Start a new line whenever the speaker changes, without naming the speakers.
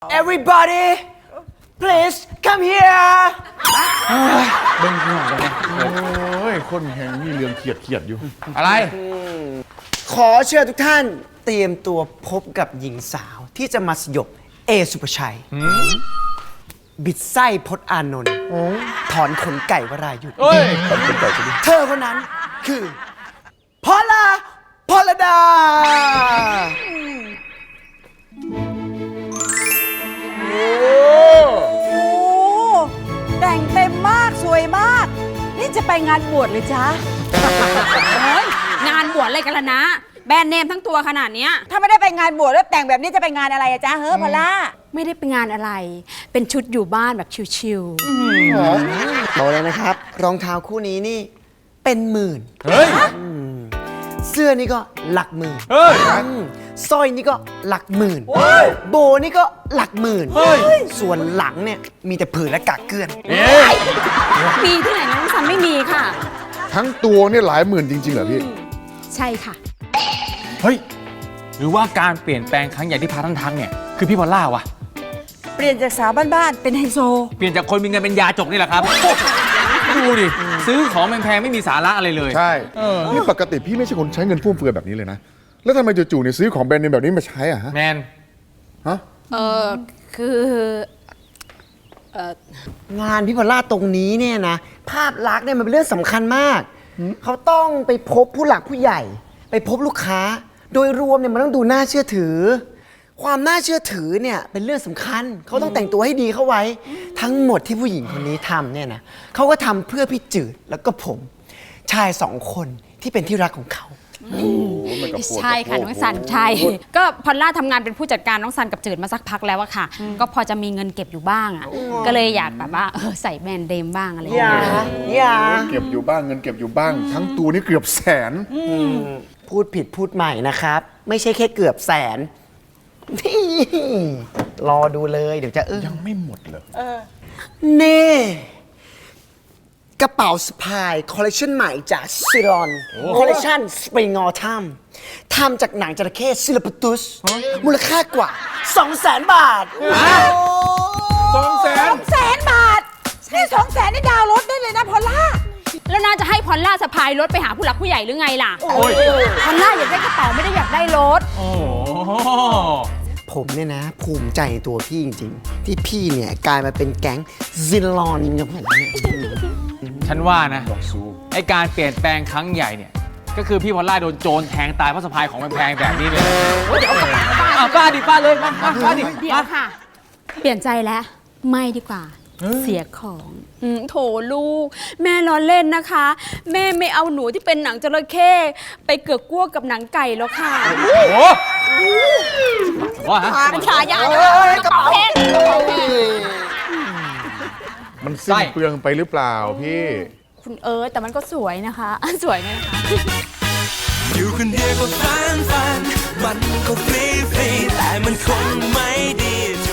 Everybody please come here
เบิ่งหัวกันเนี่ย
โอ้ยคนแหงมีเรื่องเขียดอยู่
อะไร
ขอเชิญทุกท่านเตรียมตัวพบกับหญิงสาวที่จะมาสยบเอสุภชัย บิดไส้พจน์อานนท์ถอนขนไก่วรายุทธ์
เอ้ย
เธอคนนั้นคือพลดา
โอ้แต่งเต็มมากสวยมาก นี่จะไปงานบวชเลยจ๊ะ
เฮ้ยงานบวชอะไรกันล่ะนะ แบรนด์เนมทั้งตัวขนาดเนี้ย
ถ้าไม่ได้ไปงานบวชแล้วแต่งแบบนี้จะไปงานอะไรอะจ๊ะเฮ้อพอลล่า
ไม่ได้ไปงานอะไร เป็นชุดอยู่บ้านแบบชิว
บอกเลยนะครับ รองเท้าคู่นี้นี่เป็นหมื่น
เฮ้ย
เสื้อนี่ก็หลักหมื่น
เฮ้ย
สร้อยนี่ก็หลักหมื่น โบนี่ก็หลักหมื่น
เฮ้ย
ส่วนหลังเนี่ยมีแต่ผืนและกากเกลื่อน
ๆ มีที่ไหนน้องซันไม่มีค่ะ
ทั้งตัวเนี่ยหลายหมื่นจริงๆเหรอพี่
ใช่ค่ะ
เฮ้ย หรือว่าการเปลี่ยนแปลงครั้งใหญ่ที่พาท่านทักเนี่ย คือพี่พอลล่าวะ
เปลี่ยนจากสาวบ้านๆเป็นไฮโซ
เปลี่ยนจากคนมีเงินเป็นยาจกนี่แหละครับ ดูดิ ซื้อของแพงๆไม่มีสาระอะไรเลย
ใช่นี่ปกติพี่ไม่ใช่คนใช้เงินฟุ่มเฟือยแบบนี้เลยนะ แล้วทำไมจู่ๆเนี่ยซื้อของแบรนด์เนมแบบนี้มาใช้อะฮะ
แมน
ฮะ
คือ
งานพี่พอลล่าตรงนี้เนี่ยนะ ภาพลักษณ์เนี่ยมันเป็นเรื่องสำคัญมาก เขาต้องไปพบผู้หลักผู้ใหญ่ ไปพบลูกค้า โดยรวมเนี่ยมันต้องดูน่าเชื่อถือ ความน่าเชื่อถือเนี่ยเป็นเรื่องสำคัญ เขาต้องแต่งตัวให้ดีเข้าไว้ ทั้งหมดที่ผู้หญิงคนนี้ทำเนี่ยนะเขาก็ทำเพื่อพี่จืดแล้วก็ผม ชายสองคนที่เป็นที่รักของเขา
ใช่ค่ะน้องซันใช่ ก็พอลล่าทำงานเป็นผู้จัดการน้องซันกับจืดมาสักพักแล้วอะค่ะ ก็พอจะมีเงินเก็บอยู่บ้างอะก็เลยอยากแบบว่าใส่แบรนด์เดมบ้างอะไรอย่าง
อย่า
เงี้ย
อย่า
เก็บอยู่บ้างเงินเก็บอยู่บ้าง ทั้งตัวนี่เกือบแสน
พูดผิดพูดใหม่นะครับ ไม่ใช่แค่เกือบแสนนี่รอดูเลยเดี๋ยวจะ
ยังไม่หมดเหรอ
เน่กระเป๋าสะพายคอลเลคชันใหม่จากซิลอนคอลเลคชันสปริงออทัมทำจากหนังจระเข้ซิลปตุสมูลค่ากว่า 200,000 บาท
200,000 บาทนี่200,000นี่ดาวน์รถได้เลยนะพอลล่า
แล้วน่าจะให้พอลล่าสะพายรถไปหาผู้หลักผู้ใหญ่หรือไงล่ะ
โอ้ย
พอลล่าอยากได้กระเป๋าไม่ได้อยากได้รถ
โอ้โห
ผมเนี่ยนะ ภูมิใจในตัวพี่จริงๆ ที่พี่เนี่ยกลายมาเป็นแก๊งซิลอนกับผมเนี่ย
ฉันว่านะไอการเปลี่ยนแปลงครั้งใหญ่เนี่ย ก็คือพี่พอลล่าโดนโจรแทงตายเพราะสะพายของแพงๆแบบนี้เลยป้าดิป้าเลยมาป้าดิ
เดี๋ยวค่ะ เปลี่ยนใจแล้ว ไม่ดีกว่า เสียของโถลูก แม่ล้อเล่นนะคะ แม่ไม่เอาหนูที่เป็นหนังจระเข้ไปเกือกกลั้วกับหนังไก่แล้วค่ะ
โอ้โหว่าฮะ
เป็นฉายาเกระเป๋าแพง
มันสิ้นเปลืองไปหรือเปล่าพี่
คุณแต่มันก็สวยนะคะ สวยไหมนะคะ
อยู่คนเดียวก็ฟันมันก็ฟรีแต่มันคงไม่ดีเธ